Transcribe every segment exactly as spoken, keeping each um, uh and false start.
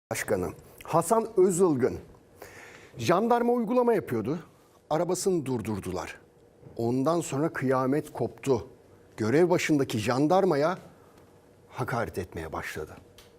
Başkanı Hasan Özılgın jandarma uygulama yapıyordu. Arabasını durdurdular. Ondan sonra kıyamet koptu. Görev başındaki jandarmaya hakaret etmeye başladı.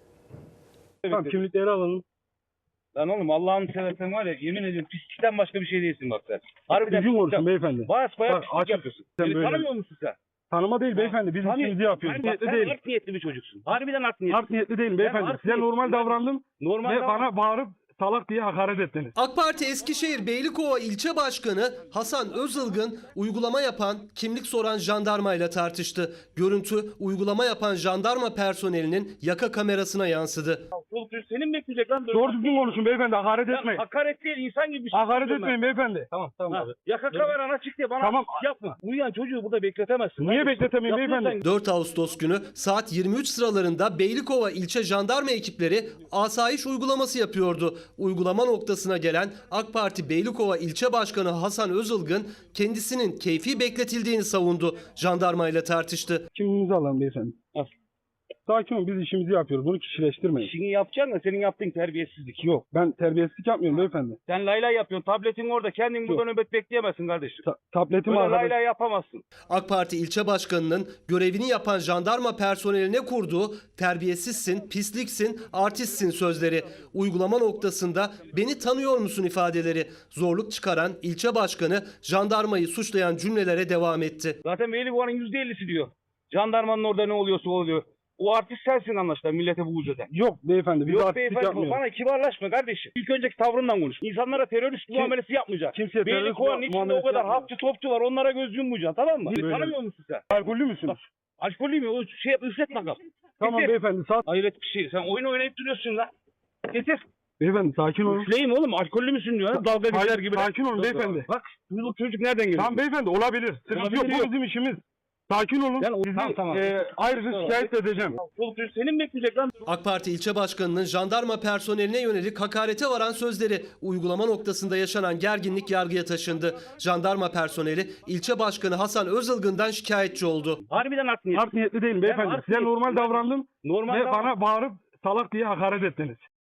Tamam, kimlikleri alalım. Lan oğlum Allah'ını seversen var ya, yemin ediyorum pislikten başka bir şey değilsin bak sen. Harbiden Düzgün konuşun beyefendi. Basbayağı Bak, pislik açık- yapıyorsun. sen Beni böyle- tanımıyor musun sen? Tanıma değil beyefendi. Biz Tanı- işimizi yapıyoruz. Hayır, bak, Niyetli sen değilim. art niyetli bir çocuksun. Harbiden art niyetli. Art niyetli değilim beyefendi. art Size niyetli- normal davrandım Normal ve davran- bana bağırıp salak diye hakaret ettiniz. AK Parti Eskişehir Beylikova İlçe Başkanı Hasan Özılgın uygulama yapan, kimlik soran jandarmayla tartıştı. Görüntü uygulama yapan jandarma personelinin yaka kamerasına yansıdı. Çoluk çocuk senin mi bekleyecek lan? Doğru düzgün konuşun beyefendi. Hakaret Ya etmeyin. hakaret değil, insan gibi bir şey. Hakaret yapıyorum etmeyin beyefendi. Tamam ben. tamam Ha, Yaka kameran açık diye bana Tamam. yapma. Uyuyan çocuğu burada bekletemezsin. Niye Hadi. bekletemeyim Yapıyorsan- beyefendi? dört Ağustos günü saat yirmi üç sıralarında Beylikova ilçe jandarma ekipleri asayiş uygulaması yapıyordu. Uygulama noktasına gelen AK Parti Beylikova İlçe Başkanı Hasan Özılgın kendisinin keyfi bekletildiğini savundu. Jandarmayla tartıştı. Kimliğinizi alalım beyefendi. Al. Sakin olun, biz işimizi yapıyoruz. Bunu kişileştirmeyin. İşini yapacaksın da senin yaptığın terbiyesizlik. Yok, ben terbiyesizlik yapmıyorum beyefendi. Sen lay lay yapıyorsun. Tabletin orada. Kendin burada nöbet bekleyemezsin kardeşim. Ta- tabletim Böyle lay arkadaş. lay yapamazsın. AK Parti ilçe başkanının görevini yapan jandarma personeline kurduğu terbiyesizsin, pisliksin, artistsin sözleri. Uygulama noktasında beni tanıyor musun ifadeleri zorluk çıkaran ilçe başkanı jandarmayı suçlayan cümlelere devam etti. Zaten Beylikova'nın yüzde ellisi diyor. Jandarmanın orada ne oluyorsa oluyor. O artist sensin anlaşılan millete bu eden. Yok beyefendi, biz Yok artistlik beyefendi, yapmıyoruz. bana kibarlaşma kardeşim. İlk önceki tavrından konuş. İnsanlara terörist Kim- muamelesi yapmayacaksın. kimseye terörist Beylikova'nın içinde o muamelesi kadar yapmıyorum. hapçı topçu var, onlara göz yummayacaksın, tamam mı? Böyle. Tanımıyor musun sen? Alkollü müsünüz? Alkolü mü? O şey yap, üflet bakalım. Tamam Getir. beyefendi, saat. Hayret bir şey. Sen oyun oynayıp duruyorsun lan. Getir. Beyefendi sakin olun. Üfleyeyim oğlum, alkollü müsün diyor. ha? Dalga geçer Sakin- gibi. sakin olun beyefendi. Bak, çocuk çocuk nereden geliyor? Tamam beyefendi, olabilir. Sıkıntı Olabilir, yok, bu yok. bizim işimiz. Sakin olun. Yani o- Sizi Tamam, tamam. e, ayrıca şikayet edeceğim. Çoluk çocuk senin mi bekleyecek lan? AK Parti ilçe başkanının jandarma personeline yönelik hakarete varan sözleri uygulama noktasında yaşanan gerginlik yargıya taşındı. Jandarma personeli ilçe başkanı Hasan Özılgın'dan şikayetçi oldu. Harbiden art niyetli. Art niyetli değilim beyefendi. art Size niyetli- normal davrandım Normal ve davran- bana bağırıp salak diye hakaret ettiniz.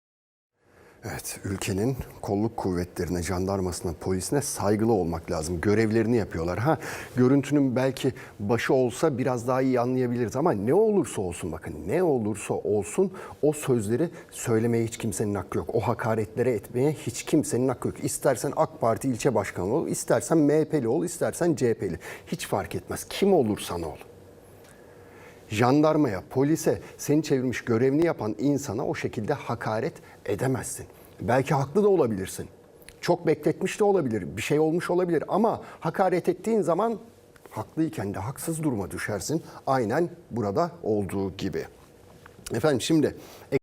Evet, ülkenin kolluk kuvvetlerine, jandarmasına, polisine saygılı olmak lazım. Görevlerini yapıyorlar. Ha, görüntünün belki başı olsa biraz daha iyi anlayabiliriz ama ne olursa olsun, bakın ne olursa olsun o sözleri söylemeye hiç kimsenin hakkı yok. O hakaretlere etmeye hiç kimsenin hakkı yok. İstersen AK Parti ilçe başkanı ol, istersen M H P'li ol, istersen C H P'li. Hiç fark etmez. Kim olursan ol. Jandarmaya, polise, seni çevirmiş görevini yapan insana o şekilde hakaret edemezsin. Belki haklı da olabilirsin. Çok bekletmiş de olabilir, bir şey olmuş olabilir ama hakaret ettiğin zaman haklıyken de haksız duruma düşersin. Aynen burada olduğu gibi. Efendim şimdi